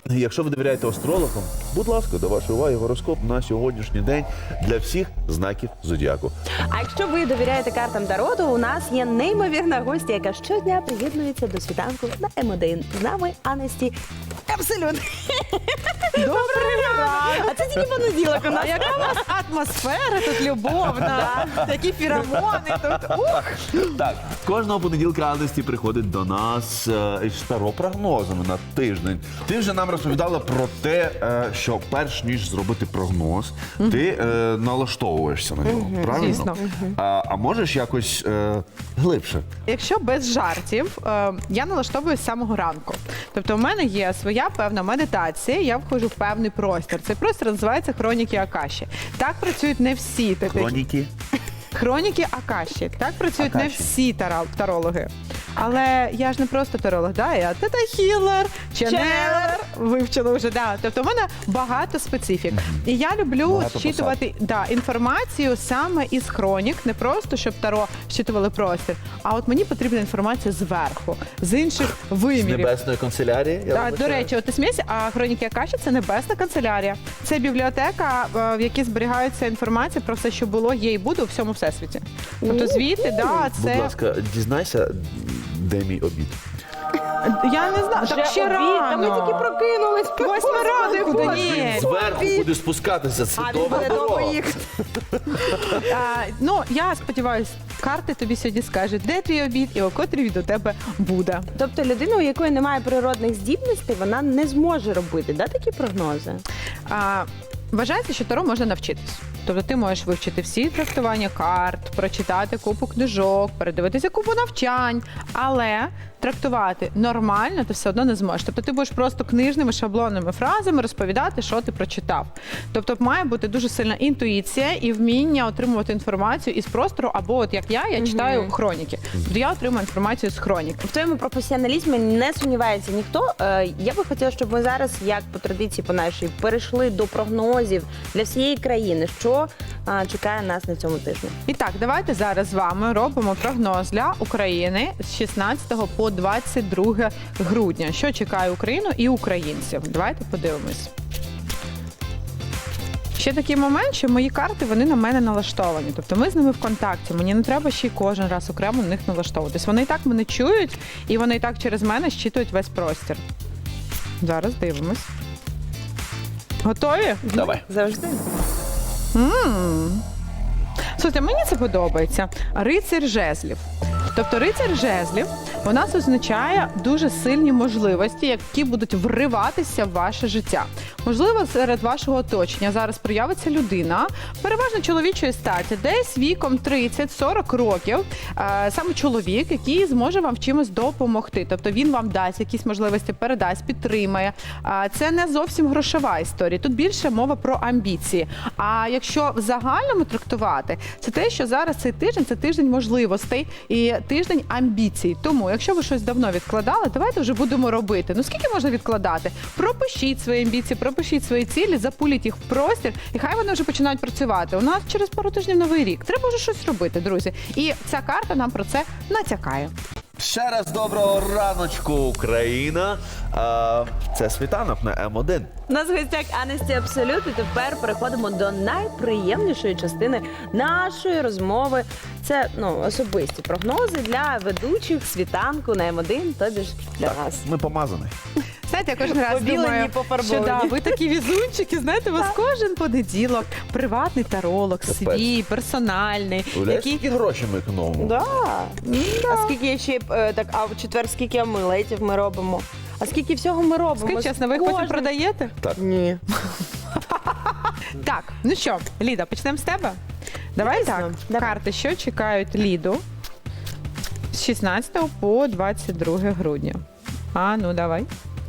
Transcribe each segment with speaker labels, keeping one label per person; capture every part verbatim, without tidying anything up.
Speaker 1: Якщо ви довіряєте астрологам, будь ласка, до вашої уваги гороскоп на сьогоднішній день для всіх знаків зодіаку.
Speaker 2: А якщо ви довіряєте картам Таро, то у нас є неймовірна гостя, яка щодня приєднується до світанку на М один. З нами Анесті Абсолют.
Speaker 3: Добрий ранок!
Speaker 2: А це тільки понеділок у нас.
Speaker 3: А яка у нас атмосфера тут любовна, такі фіромони тут. Ух!
Speaker 1: Так, кожного понеділка Анесті приходить до нас е, із таро-прогнозами на тиждень. Ти вже нам розповідала про те, е, що перш ніж зробити прогноз, ти е, налаштовуєшся на нього, правильно?
Speaker 3: Звісно.
Speaker 1: А, а можеш якось е, глибше?
Speaker 3: Якщо без жартів, е, я налаштовуюсь з самого ранку. Тобто у мене є своя певна медитація, я входжу в певний простір. Цей простір називається хроніки Акаші. Так працюють не всі. Тобто,
Speaker 1: Хроніки?
Speaker 3: Хроніки Акаші. Так працюють не
Speaker 1: Акаші.
Speaker 3: всі тара- тарологи. Але я ж не просто таролог, да? Я тета-хілер, ченелер, вивчила вже, да. Тобто в мене багато специфік. І я люблю
Speaker 1: Багато
Speaker 3: зчитувати да, інформацію саме із хронік, не просто, щоб таро зчитували простір, а от мені потрібна інформація зверху, з інших
Speaker 1: З
Speaker 3: вимірів.
Speaker 1: небесної канцелярії? Я
Speaker 3: Так, до
Speaker 1: вибачаю.
Speaker 3: речі, от ти смієшся, а хроніки Акаші – це небесна канцелярія. Це бібліотека, е, в якій зберігається інформація про все, що було, є і буде у всьому всесвіті. Тобто звідти, да,
Speaker 1: Будь
Speaker 3: це...
Speaker 1: ласка, дізнайся, де мій обід.
Speaker 3: Я не знаю, так ще
Speaker 2: Та ми
Speaker 3: рано.
Speaker 2: тільки прокинулись.
Speaker 3: Восьма ранку, да ні.
Speaker 1: Зверху буде спускатися, це
Speaker 2: А він буде
Speaker 1: добро.
Speaker 2: довго їхати.
Speaker 3: А, ну, я сподіваюся, карти тобі сьогодні скажуть, де твій обід і о котрій він у тебе буде.
Speaker 2: Тобто людина, у якої немає природних здібностей, вона не зможе робити, да, такі прогнози?
Speaker 3: А, вважається, що таро можна навчитись. Тобто ти можеш вивчити всі трактування карт, прочитати купу книжок, передивитися купу навчань, але трактувати нормально ти все одно не зможеш. Тобто ти будеш просто книжними шаблонними фразами розповідати, що ти прочитав. Тобто має бути дуже сильна інтуїція і вміння отримувати інформацію із простору, або от як я, я читаю хроніки. Тобто я отримую інформацію з хронік.
Speaker 2: В твоєму професіоналізмі не сумнівається ніхто. Е, Я би хотіла, щоб ми зараз, як по традиції по нашій, перейшли до прогнозів для всієї країни. Що е, чекає нас на цьому тижні?
Speaker 3: І так, давайте зараз з вами робимо прогноз для України з шістнадцятого по двадцять друге грудня. Що чекає Україну і українців? Давайте подивимось. Ще такий момент, що мої карти, вони на мене налаштовані. Тобто ми з ними в контакті. Мені не треба ще й кожен раз окремо на них налаштовуватись. Вони і так мене чують, і вони і так через мене щитують весь простір. Зараз дивимось. Готові?
Speaker 1: Давай.
Speaker 2: Завжди.
Speaker 3: Слухайте, мені це подобається. Рицар жезлів. Тобто рицар жезлів у нас означає дуже сильні можливості, які будуть вриватися в ваше життя. Можливо, серед вашого оточення зараз проявиться людина, переважно чоловічої статі, десь віком тридцять-сорок років, е, саме чоловік, який зможе вам в чимось допомогти. Тобто він вам дасть якісь можливості, передасть, підтримає. Е, це не зовсім грошова історія. Тут більше мова про амбіції. А якщо в загальному трактувати, це те, що зараз цей тиждень – це тиждень можливостей і тиждень амбіцій. Тому, якщо ви щось давно відкладали, давайте вже будемо робити. Ну скільки можна відкладати? Пропишіть свої амбіції, пропишіть свої цілі, запуліть їх в простір, і хай вони вже починають працювати. У нас через пару тижнів Новий рік. Треба вже щось робити, друзі. І ця карта нам про це натякає.
Speaker 1: Ще раз доброго раночку, Україна. А, це світанок на М один.
Speaker 2: У нас в гостях Анесті Абсолют, і тепер переходимо до найприємнішої частини нашої розмови. Це ну, особисті прогнози для ведучих світанку на М один, тобі ж для вас.
Speaker 1: Ми помазані.
Speaker 3: Знаєте, я кожен раз
Speaker 2: Побілені,
Speaker 3: думаю,
Speaker 2: пофарбовані.
Speaker 3: що да, ви такі візунчики, знаєте, у вас кожен понеділок приватний таролог, свій, персональний,
Speaker 1: Уявляєш,
Speaker 3: який...
Speaker 1: скільки грошей ми економимо?
Speaker 2: Да. А скільки я ще е, так, а в четвер скільки амулетів ми робимо? А скільки всього ми робимо?
Speaker 3: Скажіть чесно, ви їх потім
Speaker 2: Кожен-
Speaker 3: продаєте?
Speaker 1: Так.
Speaker 2: Ні.
Speaker 3: Так, ну що, Ліда, почнемо з тебе? Давай
Speaker 2: Звісно,
Speaker 3: так,
Speaker 2: давай.
Speaker 3: карти, що чекають Ліду з шістнадцятого по двадцять друге грудня. А, ну давай.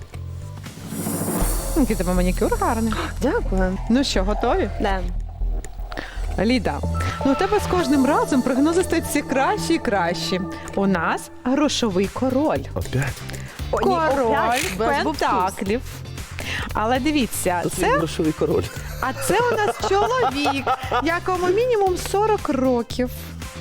Speaker 3: Який тебе манікюр гарний.
Speaker 2: Дякую.
Speaker 3: Ну що, готові?
Speaker 2: Да.
Speaker 3: Ліда, ну у тебе з кожним разом прогнози стають все кращі і кращі. У нас грошовий король.
Speaker 1: Опять?
Speaker 2: О, ні,
Speaker 3: Король
Speaker 2: опять без бовтуз.
Speaker 3: пентаклів. Але дивіться,
Speaker 1: Тут
Speaker 3: це,
Speaker 1: він грошовий король.
Speaker 3: а це у нас чоловік, якому мінімум сорок років.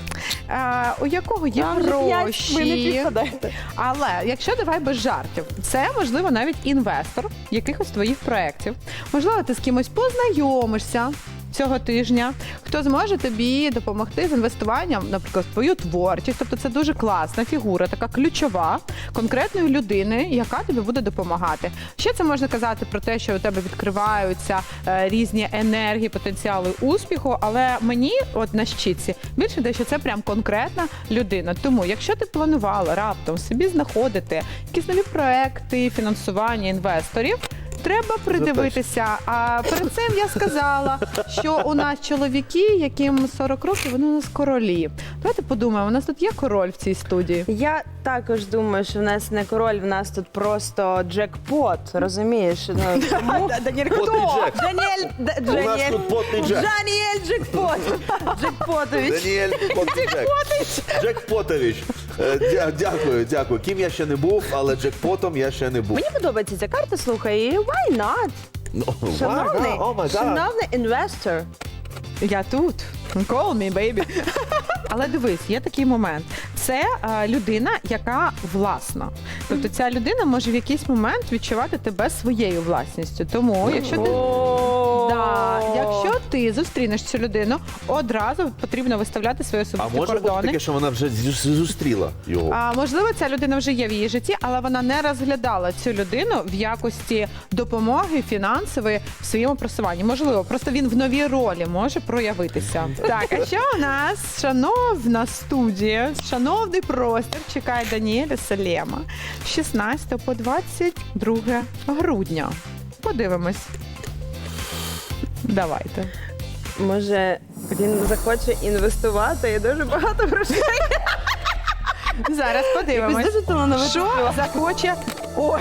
Speaker 3: е, у якого є
Speaker 2: Там же п'ять, ви не
Speaker 3: гроші.
Speaker 2: підпадаєте.
Speaker 3: Але якщо давай без жартів, це можливо навіть інвестор якихось твоїх проєктів. Можливо, ти з кимось познайомишся цього тижня, хто зможе тобі допомогти з інвестуванням, наприклад, в твою творчість. Тобто це дуже класна фігура, така ключова, конкретної людини, яка тобі буде допомагати. Ще це можна казати про те, що у тебе відкриваються е, різні енергії, потенціали успіху, але мені, от на щитці, більше те, що це прям конкретна людина. Тому, якщо ти планувала раптом собі знаходити якісь нові проекти, фінансування інвесторів, треба придивитися. А перед цим я сказала, що у нас чоловіки, яким сорок років, вони у нас королі. Давайте подумаємо, у нас тут є король в цій студії.
Speaker 2: Я також думаю, що в нас не король, в нас тут просто джекпот, розумієш? Ну, тому...
Speaker 3: Даніель,
Speaker 1: Потний Джек.
Speaker 2: Даніель, Д-
Speaker 1: У нас
Speaker 2: Даніель,
Speaker 1: тут потний Джек.
Speaker 2: Даніель Джекпот. Джекпотович.
Speaker 1: Даніель Потний Джек. Джек Потович. Е, дя- Дякую, дякую. Ким я ще не був, але Джекпотом я ще не був.
Speaker 2: Мені подобається ця карта, слухай, і why not?
Speaker 1: Oh,
Speaker 2: Шановний,
Speaker 1: wow, oh my God.
Speaker 2: шановний інвестор.
Speaker 3: Я тут. Call me, baby. Але дивись, є такий момент. Це е, людина, яка власна. Тобто ця людина може в якийсь момент відчувати тебе своєю власністю. Тому, якщо ти, да, якщо ти зустрінеш цю людину, одразу потрібно виставляти свої
Speaker 1: А
Speaker 3: особисті
Speaker 1: може бути
Speaker 3: кордони.
Speaker 1: таке, що вона вже зі- зустріла його?
Speaker 3: А, можливо, ця людина вже є в її житті, але вона не розглядала цю людину в якості допомоги фінансової в своєму просуванні. Можливо, просто він в новій ролі може проявитися. Так, а що у нас, шановна студія, шановний простір, чекає Даніеля Салема з шістнадцятого по двадцять друге грудня. Подивимось. Давайте.
Speaker 2: Може, він захоче інвестувати і дуже багато грошей.
Speaker 3: Зараз подивимось.
Speaker 2: Якось дуже талановитий
Speaker 3: Що
Speaker 2: чувак.
Speaker 3: захоче? Ой.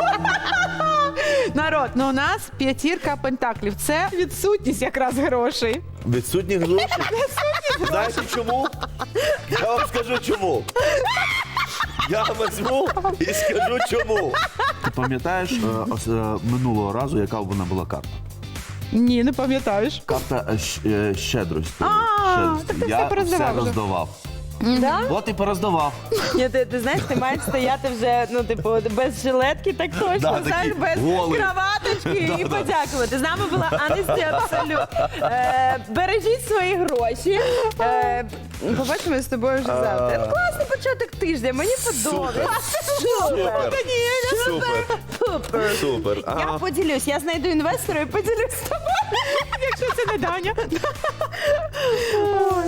Speaker 3: Народ, ну у нас п'ятірка пентаклів. Це відсутність якраз грошей.
Speaker 1: Відсутні гроші? Знаєте чому? Я вам скажу чому. Я візьму і скажу чому. Ти пам'ятаєш е, ос- е, минулого разу, яка вона була карта?
Speaker 3: Ні, не пам'ятаєш.
Speaker 1: Карта е, щ- е, щедрості.
Speaker 3: А,
Speaker 1: Щедрості.
Speaker 3: так ти
Speaker 1: Я
Speaker 3: все пороздавав вже.
Speaker 1: роздавав.
Speaker 2: Да?
Speaker 1: От і пороздавав.
Speaker 2: Ні, ти, ти знаєш, ти маєш стояти вже, ну, типу, без жилетки, так точно,
Speaker 1: Да,
Speaker 2: знаєш,
Speaker 1: такий
Speaker 2: без
Speaker 1: голий.
Speaker 2: краваточки і подякувати. З нами була Анесті Абсолют. Е, бережіть свої гроші. Е, побачимо з тобою вже завтра. Ну, класний початок тижня, мені подобається.
Speaker 1: Супер. Супер.
Speaker 2: Супер.
Speaker 1: Супер.
Speaker 2: Я
Speaker 1: Ага.
Speaker 2: поділюсь, я знайду інвестора і поділюсь з тобою.
Speaker 3: Якщо це не Даня.
Speaker 2: Ой,